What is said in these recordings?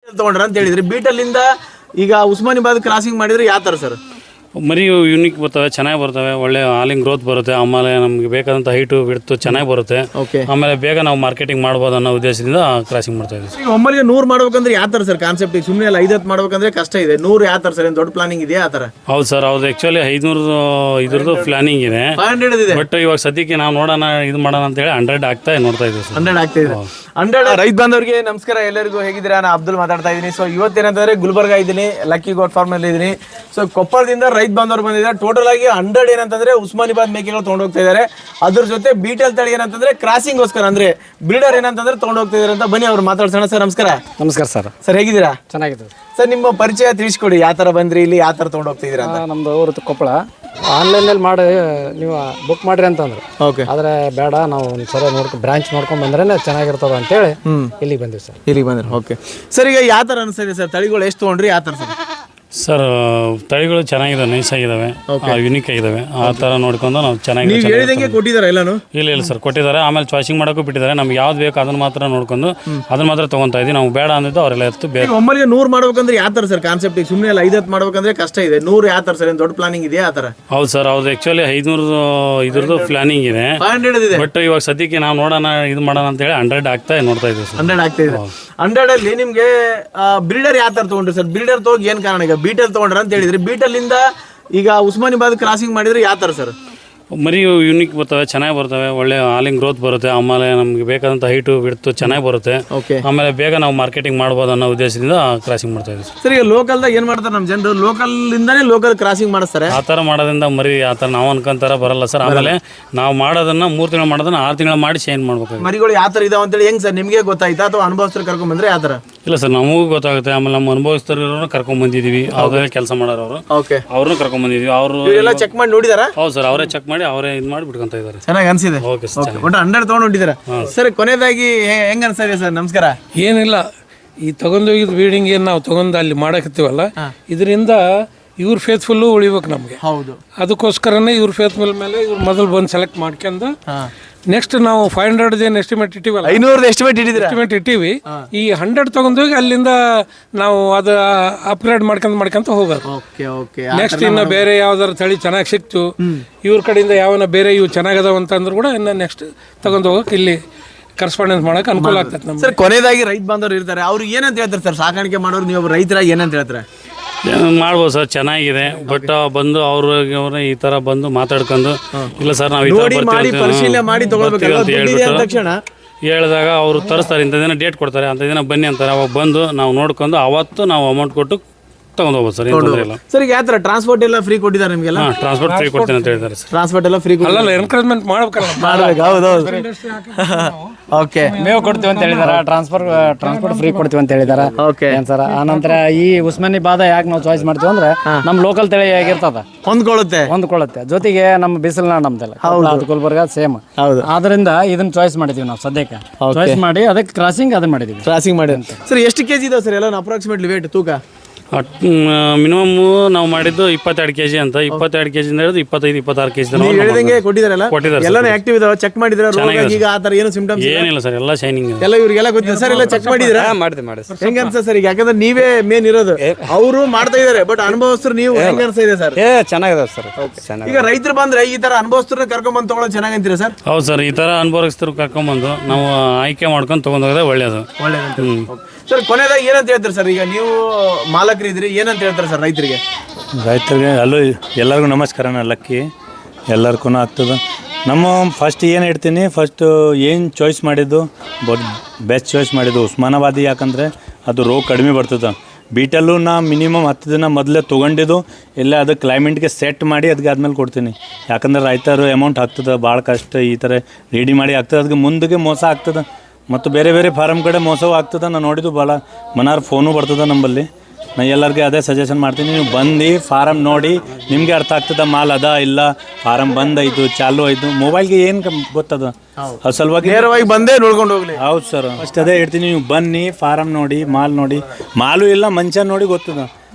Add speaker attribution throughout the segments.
Speaker 1: ತಗೊಂಡ್ರ ಅಂತ ಹೇಳಿದ್ರಿ. ಬೀಟಲ್ಲಿಂದ ಈಗ ಉಸ್ಮಾನಿಬಾದ್ ಕ್ರಾಸಿಂಗ್ ಮಾಡಿದ್ರೆ ಯಾವ ಥರ ಸರ್?
Speaker 2: ಮರಿ ಯೂನಿಕ್ ಬರ್ತವೆ, ಚೆನ್ನಾಗಿ ಬರ್ತವೆ, ಒಳ್ಳೆ ಹಾಲಿಂಗ್ ಗ್ರೋತ್ ಬರುತ್ತೆ, ಆಮೇಲೆ ನಮಗೆ ಬೇಕಾದಂಥ ಹೈಟು ಬಿಡ್ತು ಚೆನ್ನಾಗಿ ಬರುತ್ತೆ. ಆಮೇಲೆ ಬೇಗ ನಾವು ಮಾರ್ಕೆಟಿಂಗ್ ಮಾಡ್ಬೋದು ಅನ್ನೋ ಉದ್ದೇಶದಿಂದ ಕ್ರಾಸಿಂಗ್ ಮಾಡ್ತಾ ಇದ್ದೀವಿ.
Speaker 1: ಈಗ ಒಮ್ಮಲಿಗೆ 100 ಮಾಡ್ಬೇಕಂದ್ರೆ ಯಾವ ಥರ ಸರ್ ಕಾನ್ಸೆಪ್ಟ್? ಈಗ ಸುಮ್ಮನೆ ಎಲ್ಲ 5 ಮಾಡ್ಬೇಕಂದ್ರೆ ಕಷ್ಟ ಇದೆ. 100 ಯಾವ ಥರ ಸರ್? ಏನು ದೊಡ್ಡ ಪ್ಲಾನಿಂಗ್ ಇದೆಯಾ ಆ ಥರ?
Speaker 2: ಹೌದು ಸರ್, ಹೌದು. ಆ್ಯಕ್ಚುಲಿ 500 ಇದ್ರದ್ದು ಪ್ಲಾನಿಂಗ್ ಇದೆ,
Speaker 1: 500 ಇದೆ.
Speaker 2: ಬಟ್ ಇವಾಗ ಸದ್ಯಕ್ಕೆ ನಾವು ನೋಡೋಣ ಇದು ಮಾಡೋಣ ಅಂತೇಳಿ 100 ಆಗ್ತಾ ನೋಡ್ತಾ ಇದ್ದೀವಿ ಸರ್.
Speaker 1: 100 ಆಗ್ತಾ ಇದೆ. 100 ರೈತ ಬಾಂಧವರಿಗೆ ನಮಸ್ಕಾರ, ಎಲ್ಲರಿಗೂ ಹೇಗಿದ್ದೀರಾ? ನಾನು ಅಬ್ದುಲ್ ಮಾತಾಡ್ತಾ ಇದ್ದೀನಿ. ಸೊ ಇವತ್ತೇನಂತಂದ್ರೆ ಗುಲ್ಬರ್ಗ ಇದ್ದೀನಿ, ಲಕ್ಕಿ ಗೋಟ್ ಫಾರ್ಮ್ ಅಲ್ಲಿ ಇದ್ದೀನಿ. ಸೊ ಕೊಪ್ಪಳದಿಂದ ರೈತ ಬಾಂಧವರು ಬಂದಿದ್ದಾರೆ. ಟೋಟಲ್ ಆಗಿ 100 ಏನಂತಂದ್ರೆ ಉಸ್ಮಾನಿಬಾದ್ ಮೇಕೆಗಳು ತಗೊಂಡು ಹೋಗ್ತಾ ಇದ್ದಾರೆ. ಅದ್ರ ಜೊತೆ ಬೀಟಲ್ ತಳಿ ಏನಂತಂದ್ರೆ ಕ್ರಾಸಿಂಗ್ಗೋಸ್ಕರ ಅಂದ್ರೆ ಬ್ರೀಡರ್ ಏನಂತಂದ್ರೆ ತಗೊಂಡು ಹೋಗ್ತಾ ಇದ್ದಾರೆ ಅಂತ ಬನ್ನಿ ಅವ್ರು ಮಾತಾಡ್ಸೋಣ. ಸರ್ ನಮಸ್ಕಾರ.
Speaker 3: ನಮಸ್ಕಾರ ಸರ್.
Speaker 1: ಸರ್ ಹೇಗಿದ್ದೀರಾ?
Speaker 3: ಚೆನ್ನಾಗಿದೆ
Speaker 1: ಸರ್. ನಿಮ್ಮ ಪರಿಚಯ ತಿಳಿಸ್ಕೊಡಿ, ಯಾವ ತರ ಬಂದ್ರಿ, ಇಲ್ಲಿ ಯಾವ ತರ ತಗೊಂಡು ಹೋಗ್ತಿದ್ದೀರಾ ಅಂತ.
Speaker 3: ನಮ್ದು ಊರು ಕೊಪ್ಪಳ. ಆನ್ಲೈನಲ್ಲಿ ಮಾಡಿ ನೀವು ಬುಕ್ ಮಾಡ್ರಿ ಅಂತಂದ್ರು.
Speaker 1: ಓಕೆ.
Speaker 3: ಆದ್ರೆ ಬೇಡ, ನಾವು ಒಂದ್ಸಲ ಬ್ರಾಂಚ್ ನೋಡ್ಕೊಂಡ್ ಬಂದ್ರೆ ಚೆನ್ನಾಗಿರ್ತದ ಅಂತೇಳಿ ಇಲ್ಲಿಗೆ ಬಂದಿವಿ ಸರ್.
Speaker 1: ಇಲ್ಲಿಗೆ ಬಂದ್ರಿ. Okay sir. ಈಗ ಯಾವ ತರ ಅನಿಸ್ತಿದೆ ಸರ್? ತಳಿಗಳು ಎಷ್ಟು ತಗೊಂಡ್ರಿ, ಯಾವ ತರ ಸರ್?
Speaker 2: ಸರ್ ತಳಿಗಳು ಚೆನ್ನಾಗಿದೆ, ನೈಸ್ ಆಗಿದಾವೆ, ಯುನಿಕ್ ಆಗಿದಾವೆ. ಆ ಥರ ನೋಡ್ಕೊಂಡು ನಾವು ಚೆನ್ನಾಗಿ
Speaker 1: ಹೇಳಿದಂಗೆ ಕೊಟ್ಟಿದ್ದಾರೆ ಎಲ್ಲಾನು?
Speaker 2: ಇಲ್ಲ ಸರ್, ಕೊಟ್ಟಿದ್ದಾರೆ. ಆಮೇಲೆ ಚಾಯ್ಸಿಂಗ್ ಮಾಡೋಕ್ಕೂ ಬಿಟ್ಟಿದ್ದಾರೆ. ನಮ್ಗೆ ಯಾವ್ದು ಬೇಕು ಅದನ್ನ ಮಾತ್ರ ನೋಡ್ಕೊಂಡು ಅದನ್ನ ಮಾತ್ರ ತೊಗೊತಾ ಇದ್ದೀವಿ. ನಾವು ಬೇಡ ಅಂದಿದ್ದು ಅವರೆಲ್ಲ ಎತ್ತು ಬೇರೆ.
Speaker 1: ಒಮ್ಮಲಿಗೆ 100 ಮಾಡ್ಬೇಕಂದ್ರೆ ಯಾವ ಥರ ಸರ್ ಕಾನ್ಸೆಪ್ಟ್? ಈಗ ಸುಮ್ಮನೆ ಎಲ್ಲ 5 ಮಾಡ್ಬೇಕಂದ್ರೆ ಕಷ್ಟ ಇದೆ. 100 ಯಾವ ಥರ ಸರ್? ಏನು ದೊಡ್ಡ ಪ್ಲಾನಿಂಗ್ ಇದೆಯಾ ಆ ಥರ?
Speaker 2: ಹೌದು ಸರ್, ಹೌದು. ಆ್ಯಕ್ಚುಲಿ 500 ಇದ್ರದ್ದು ಪ್ಲಾನಿಂಗ್ ಇದೆ,
Speaker 1: 500 ಇದೆ.
Speaker 2: ಬಟ್ ಇವಾಗ ಸದ್ಯಕ್ಕೆ ನಾವು ನೋಡೋಣ ಇದು ಮಾಡೋಣ ಅಂತೇಳಿ 100 ಆಗ್ತಾ ನೋಡ್ತಾ ಇದ್ದೀವಿ ಸರ್.
Speaker 1: 100 ಆಗ್ತಾ ಇದೆ. 100 ಅಲ್ಲಿ ನಿಮಗೆ ಬ್ರೀಡರ್ ಯಾವ ಥರ ತೊಗೊಂಡ್ರಿ ಸರ್? ಬ್ರೀಡರ್ ತಗೋಗಿ ಏನು ಕಾರಣ? ಈಗ ಬೀಟಲ್ ತಗೊಂಡ್ರ ಅಂತ ಹೇಳಿದ್ರಿ. ಬೀಟಲ್ಲಿಂದ ಈಗ ಉಸ್ಮಾನಿಬಾದ್ ಕ್ರಾಸಿಂಗ್ ಮಾಡಿದ್ರೆ ಯಾವ ಥರ ಸರ್?
Speaker 2: ಮರಿ ಯೂನಿಕ್ ಬರ್ತವೆ, ಚೆನ್ನಾಗಿ ಬರ್ತವೆ, ಒಳ್ಳೆ ಹಾಲಿಂಗ್ ಗ್ರೋತ್ ಬರುತ್ತೆ, ಆಮೇಲೆ ನಮಗೆ ಬೇಕಾದಂಥ ಹೈಟು ಬಿಡ್ತು ಚೆನ್ನಾಗಿ ಬರುತ್ತೆ. ಆಮೇಲೆ ಬೇಗ ನಾವು ಮಾರ್ಕೆಟಿಂಗ್ ಮಾಡ್ಬೋದು ಅನ್ನೋ ಉದ್ದೇಶದಿಂದ ಕ್ರಾಸಿಂಗ್ ಮಾಡ್ತಾ ಇದ್ದೀವಿ
Speaker 1: ಸರ್. ಈಗ ಲೋಕಲ್ದಾಗ ಏನು ಮಾಡ್ತಾರೆ ನಮ್ಮ ಜನರು? ಲೋಕಲ್ನಿಂದನೇ ಲೋಕಲ್ ಕ್ರಾಸಿಂಗ್ ಮಾಡಿಸ್ತಾರೆ.
Speaker 2: ಆ ಥರ ಮಾಡೋದ್ರಿಂದ ಮರಿ ಆ ಥರ ನಾವು ಅನ್ಕೊಂತಾರ ಬರಲ್ಲ ಸರ್. ಆಮೇಲೆ ನಾವು ಮಾಡೋದನ್ನ 3 ತಿಂಗಳು ಮಾಡೋದನ್ನ 6 ತಿಂಗಳು ಮಾಡಿ ಚೇಂಜ್ ಮಾಡ್ಬೇಕು.
Speaker 1: ಮರಿಗಳು ಯಾವ ಥರ ಇದಾವೆ ಅಂತೇಳಿ ಹೆಂಗೆ ಸರ್ ನಿಮಗೆ ಗೊತ್ತಾಯ್ತಾ, ಅಥವಾ ಅನುಭವಸ್ಥರು ಕರ್ಕೊಂಡ್ ಬಂದ್ರೆ ಯಾವ ಥರ?
Speaker 2: ಇಲ್ಲ ಸರ್, ನಮಗೂ ಗೊತ್ತಾಗುತ್ತೆ. ಆಮೇಲೆ ನಮ್ಮ ಅನುಭವಿಸ್ತಾರ ಕರ್ಕೊಂಡ್ ಬಂದಿದ್ದೀವಿ, ಅವ್ರೇ ಕೆಲಸ ಮಾಡೋರು ಅವರು, ಅವ್ರನ್ನೂ ಕರ್ಕೊಂಡ್ ಬಂದಿದ್ದೀವಿ. ಅವರು
Speaker 1: ಎಲ್ಲ ಚೆಕ್ ಮಾಡಿ ನೋಡಿದಾರ?
Speaker 2: ಹೌದು ಸರ್, ಅವರೇ ಚೆಕ್ ಮಾಡಿ ಅವರೇ ಇದು ಮಾಡಿ ಬಿಟ್ಕೊಂತ ಇದ್ದಾರೆ.
Speaker 1: ಚೆನ್ನಾಗಿ ಅನ್ಸಿದೆ.
Speaker 2: ಓಕೆ ಸರ್,
Speaker 1: ಒಟ್ಟು 100 ತಗೊಂಡು ಹೊಂಟಿದ್ದೀರಾ ಸರ್. ಕೊನೆಯದಾಗಿ ಹೆಂಗ ಅನ್ಸಿದೆ ಸರ್? ನಮಸ್ಕಾರ.
Speaker 4: ಏನಿಲ್ಲ, ಈ ತಗೊಂಡೋಗಿದ್ ಬೀಡಿಂಗ್ ಏನು ನಾವು ತಗೊಂಡು ಅಲ್ಲಿ ಮಾಡಕತ್ತೀವಲ್ಲ, ಇದರಿಂದ ಇವ್ರ ಫೇತ್ಫುಲ್ಲು ಉಳಿಬೇಕು ನಮಗೆ.
Speaker 1: ಹೌದು.
Speaker 4: ಅದಕ್ಕೋಸ್ಕರನೇ ಇವ್ರ ಫೇತ್ಫುಲ್ ಮೇಲೆ ಇವ್ರು ಮೊದಲು ಬಂದು ಸೆಲೆಕ್ಟ್ ಮಾಡ್ಕೊಂಡು ನೆಕ್ಸ್ಟ್ ನಾವು 500 ಏನು ಎಸ್ಟಿಮೇಟ್ ಇಟ್ಟಿವಲ್ಲ,
Speaker 1: 500 ಎಸ್ಟಿಮೇಟ್
Speaker 4: ಇಟ್ಟಿವಿ. ಈ 100 ತಗೊಂಡೋಗಿ ಅಲ್ಲಿಂದ ನಾವು ಅದು ಅಪ್ಗ್ರೇಡ್ ಮಾಡ್ಕೊಂತ ಹೋಗೋದು. ನೆಕ್ಸ್ಟ್ ಇನ್ನು ಬೇರೆ ಯಾವ್ದಾರು ತಳಿ ಚೆನ್ನಾಗಿ ಸಿಕ್ತು, ಇವ್ರ ಕಡೆಯಿಂದ ಯಾವನ ಬೇರೆ ಇವು ಚೆನ್ನಾಗದಾವ ಅಂತಂದ್ರು ಕೂಡ ಇನ್ನು ನೆಕ್ಸ್ಟ್ ತಗೊಂಡು ಹೋಗಕ್ಕೆ ಇಲ್ಲಿ ಕರೆಸ್ಪಾಂಡೆನ್ಸ್ ಮಾಡಕ್ಕೆ ಅನುಕೂಲ ಆಗ್ತದೆ ನಮ್ಗೆ.
Speaker 1: ಸರ್ ಕೊನೆಯದಾಗಿ ರೈತ ಬಾಂಧವರು ಇರ್ತಾರೆ, ಅವ್ರಿಗೆ ಏನಂತ ಹೇಳ್ತಾರೆ ಸರ್? ಸಾಕಾಣಿಕೆ ಮಾಡೋರು ನೀವು ರೈತರಾಗಿ ಏನಂತ ಹೇಳ್ತಾರೆ?
Speaker 2: ಮಾಡ್ಬೋದು ಸರ್, ಚೆನ್ನಾಗಿದೆ. ಬಟ್ ಬಂದು ಅವ್ರ ಈ ತರ ಬಂದು ಮಾತಾಡ್ಕೊಂಡು ಇಲ್ಲ ಸರ್ ನಾವು
Speaker 1: ಪರಿಶೀಲನೆ ಮಾಡಿ
Speaker 2: ಹೇಳಿದಾಗ ಅವರು ತರಿಸ್ತಾರೆ, ಇಂಥ ದಿನ ಡೇಟ್ ಕೊಡ್ತಾರೆ, ಅಂತ ದಿನ ಬನ್ನಿ ಅಂತಾರೆ. ಅವಾಗ ಬಂದು ನಾವು ನೋಡ್ಕೊಂಡು ಅವತ್ತು ನಾವು ಅಮೌಂಟ್ ಕೊಟ್ಟು ತಗೊಂಡು ಹೋಗ್ಬೋದು ಸರ್. ಏನು ತೊಂದರೆ ಇಲ್ಲ ಸರ್.
Speaker 1: ಈಗ ಯಾವ ಥರ ಟ್ರಾನ್ಸ್ಪೋರ್ಟ್ ಎಲ್ಲ ಫ್ರೀ ಕೊಟ್ಟಿದ್ದಾರೆ ನಿಮಗೆಲ್ಲ?
Speaker 2: ಟ್ರಾನ್ಸ್ಪೋರ್ಟ್ ಫ್ರೀ ಕೊಡ್ತೀನಿ ಅಂತ ಹೇಳಿದ್ದಾರೆ ಸರ್.
Speaker 1: ಟ್ರಾನ್ಸ್ಪೋರ್ಟ್ ಎಲ್ಲ ಫ್ರೀ
Speaker 4: ಅಲ್ಲ, ಎನ್ಕರೇಜ್ಮೆಂಟ್ ಮಾಡ್ಬೇಕು.
Speaker 1: ಹೌದೌದು. ಓಕೆ.
Speaker 3: ಮೇವು ಕೊಡ್ತೀವಿ ಅಂತ ಹೇಳಿದಾರೆ, ಟ್ರಾನ್ಸ್ಪೋರ್ಟ್ ಫ್ರೀ ಕೊಡ್ತೀವಿ ಅಂತ ಹೇಳಿದಾರೆ. ಏನ್ ಸರ್? ಆನಂತರ ಈ ಉಸ್ಮಾನಿಬಾದ್ ಯಾಕೆ ನಾವು ಚಾಯ್ಸ್ ಮಾಡ್ತೀವಿ ಅಂದ್ರೆ ನಮ್ಮ ಲೋಕಲ್ ತಳಿ ಆಗಿರ್ತದ, ಹೊಂದ್ಕೊಳ್ಳುತ್ತೆ. ಜೊತೆಗೆ ನಮ್ಮ ಬಿಸಿಲುನಾಡು ನಮ್ದೆಲ್ಲ ಗುಲ್ಬರ್ಗ ಸೇಮ್. ಆದ್ರಿಂದ ಇದನ್ನ ಚಾಯ್ಸ್ ಮಾಡಿದೀವಿ ನಾವು ಸದ್ಯಕ್ಕೆ. ಚಾಯ್ಸ್ ಮಾಡಿ ಅದಕ್ಕೆ ಕ್ರಾಸಿಂಗ್ ಅದನ್ನ ಮಾಡಿದೀವಿ.
Speaker 1: ಕ್ರಾಸಿಂಗ್ ಮಾಡಿ ಸರ್. ಎಷ್ಟು ಕೆಜಿ ಇದಾವೆ ಸರ್ ಎಲ್ಲ ಅಪ್ರಾಕ್ಸಿಮೇಟ್ಲಿ ವೇಟ್ ತೂಕ?
Speaker 2: ಮಿನಿಮಮ್ ನಾವು ಮಾಡಿದ್ದು 22 kg ಅಂತ. 22 kg ಹಿಡಿದು 25-26 kg
Speaker 1: ಹೇಳಿದಂಗೆ ಕೊಟ್ಟಿದ್ದಾರೆ. ಎಲ್ಲ ಆಕ್ಟಿವ್ ಇದಾವೆ. ಚೆಕ್ ಮಾಡಿದ್ರೆ ಈಗ ಆ ತರ ಏನು ಸಿಂಪ್ಟಮ್ಸ್
Speaker 2: ಏನಿಲ್ಲ ಸರ್, ಎಲ್ಲ ಶೈನಿಂಗ್
Speaker 1: ಎಲ್ಲ ಇವರಿಗೆಲ್ಲ ಗೊತ್ತಿದೆ ಸರ್. ಎಲ್ಲ ಚೆಕ್ ಮಾಡಿದ್ರೆ ಹೆಂಗ ಅನ್ಸ ಸರ್? ಈಗ ಯಾಕಂದ್ರೆ ನೀವೇ ಮೇನ್ ಇರೋದು, ಅವರು ಮಾಡ್ತಾ ಇದಾರೆ, ಬಟ್ ಅನುಭವಸ್ಥರು ನೀವು ಹೆಂಗ ಅನ್ಸ್ತಾ ಇದೆ ಸರ್?
Speaker 3: ಚೆನ್ನಾಗಿದೆ ಸರ್.
Speaker 1: ಈಗ ರೈತರು ಬಂದ್ರೆ ಈ ತರ ಅನುಭವಸ್ಥರನ್ನ ಕರ್ಕೊಂಡ್ ಬಂದು ತಗೊಳ್ಳೋದು ಚೆನ್ನಾಗಿ ಅಂತೀರಾ ಸರ್?
Speaker 2: ಹೌದು ಸರ್, ಈ ತರ ಅನುಭವಸ್ಥರು ಕರ್ಕೊಂಡ್ಬಂದು ನಾವು ಆಯ್ಕೆ ಮಾಡ್ಕೊಂಡು ತಗೊಂಡೋದ್ರೆ ಒಳ್ಳೇದು.
Speaker 1: ಸರ್ ಕೊನೆಯದಾಗಿ ಏನಂತ ಹೇಳ್ತಾರೆ ಸರ್? ಈಗ ನೀವು ಮಾಲಕರು ಇದ್ರಿ, ಏನಂತ ಹೇಳ್ತಾರೆ ಸರ್ ರೈತರಿಗೆ?
Speaker 5: ಅಲ್ಲೂ ಎಲ್ಲರಿಗೂ ನಮಸ್ಕಾರ. ಲಕ್ಕಿ ಎಲ್ಲರಿಗೂ ಆಗ್ತದೆ. ನಮ್ಮ ಫಸ್ಟ್ ಏನು ಹೇಳ್ತೀನಿ, ಫಸ್ಟು ಏನು ಚಾಯ್ಸ್ ಮಾಡಿದ್ದು ಬೆಸ್ಟ್ ಚಾಯ್ಸ್ ಮಾಡಿದ್ದು ಉಸ್ಮಾನಾಬಾದಿ. ಯಾಕಂದರೆ ಅದು ರೋಗ ಕಡಿಮೆ ಬರ್ತದೆ. ಬೀಟಲ್ಲೂ ನಾ ಮಿನಿಮಮ್ 10 ದಿನ ಮೊದಲೇ ತೊಗೊಂಡಿದ್ದು, ಇಲ್ಲ ಅದು ಕ್ಲೈಮೇಟ್ಗೆ ಸೆಟ್ ಮಾಡಿ ಅದಕ್ಕೆ ಆದ್ಮೇಲೆ ಕೊಡ್ತೀನಿ. ಯಾಕಂದ್ರೆ ರೈತರು ಅಮೌಂಟ್ ಆಗ್ತದೆ, ಭಾಳ ಕಷ್ಟ ಈ ಥರ ರೆಡಿ ಮಾಡಿ ಆಗ್ತದೆ. ಅದಕ್ಕೆ ಮುಂದಕ್ಕೆ ಮೋಸ ಆಗ್ತದೆ, ಮತ್ತು ಬೇರೆ ಬೇರೆ ಫಾರಮ್ ಕಡೆ ಮೋಸವೂ ಆಗ್ತದೆ. ನಾನು ನೋಡಿದ್ದು ಭಾಳ ಮನಾರ್ ಫೋನು ಬರ್ತದೆ ನಂಬಲ್ಲಿ. ನಾನು ಎಲ್ಲರಿಗೆ ಅದೇ ಸಜೆಷನ್ ಮಾಡ್ತೀನಿ, ನೀವು ಬಂದು ಫಾರಮ್ ನೋಡಿ, ನಿಮಗೆ ಅರ್ಥ ಆಗ್ತದೆ ಮಾಲ್ ಅದ ಇಲ್ಲ, ಫಾರಮ್ ಬಂದಾಯ್ತು ಚಾಲು ಆಯಿತು. ಮೊಬೈಲ್ಗೆ ಏನು ಗೊತ್ತದ, ಅದು ಸಲುವಾಗಿ
Speaker 1: ನೇರವಾಗಿ ಬಂದೇ ನೋಡ್ಕೊಂಡು ಹೋಗ್ಲಿ.
Speaker 5: ಹೌದು ಸರ್, ಫಸ್ಟ್ ಅದೇ ಹೇಳ್ತೀನಿ, ನೀವು ಬನ್ನಿ, ಫಾರಮ್ ನೋಡಿ, ಮಾಲ್ ನೋಡಿ, ಮಾಲು ಇಲ್ಲ ಮಂಚ ನೋಡಿ ಗೊತ್ತದ.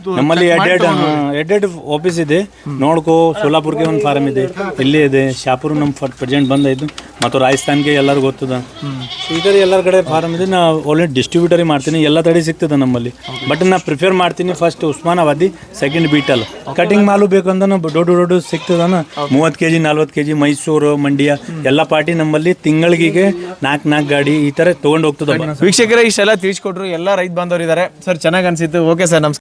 Speaker 5: ನಮ್ಮಲ್ಲಿ ಎಡ್ಡೆಡ್ ಆಫೀಸ್ ಇದೆ. ನೋಡ್ಕೋ, ಸೋಲಾಪುರ್ಗೆ ಒಂದು ಫಾರ್ಮ್ ಇದೆ, ಇಲ್ಲೇ ಇದೆ, ಶಾಪುರ್ ನಮ್ಮ ಪ್ರೆಸೆಂಟ್ ಬಂದಾಯ್ತು, ಮತ್ತು ರಾಜಸ್ಥಾನ್ಗೆ ಎಲ್ಲರೂ ಗೊತ್ತದ. ಈ ಥರ ಎಲ್ಲರ ಕಡೆ ಫಾರ್ಮ್ ಇದೆ. ನಾ ಆಲ್ರೆಡಿ ಡಿಸ್ಟ್ರಿಬ್ಯೂಟರಿ ಮಾಡ್ತೀನಿ, ಎಲ್ಲ ತಡೆ ಸಿಗ್ತದೆ ನಮ್ಮಲ್ಲಿ. ಬಟ್ ನಾ ಪ್ರಿಫೇರ್ ಮಾಡ್ತೀನಿ first Osmanabadi, second Beetal. Cutting ಮಾಲು ಬೇಕಂದ್ರೆ ದೊಡ್ಡ ಸಿಗ್ತದನ 30 kg 40 kg ಮೈಸೂರು, ಮಂಡ್ಯ ಎಲ್ಲ ಪಾರ್ಟಿ ನಮ್ಮಲ್ಲಿ ತಿಂಗಳಿಗೆ 4 ಗಾಡಿ ಈ ತರ ತಗೊಂಡು ಹೋಗ್ತದ.
Speaker 1: ವೀಕ್ಷಕರೇ ಇಷ್ಟೆಲ್ಲ ತಿಳಿಸ್ಕೊಟ್ರು, ಎಲ್ಲ ರೈತ ಬಾಂಧವರು ಇದ್ದಾರೆ ಸರ್, ಚೆನ್ನಾಗಿ ಅನ್ಸಿತ್ತು. ಓಕೆ ಸರ್, ನಮಸ್ಕಾರ.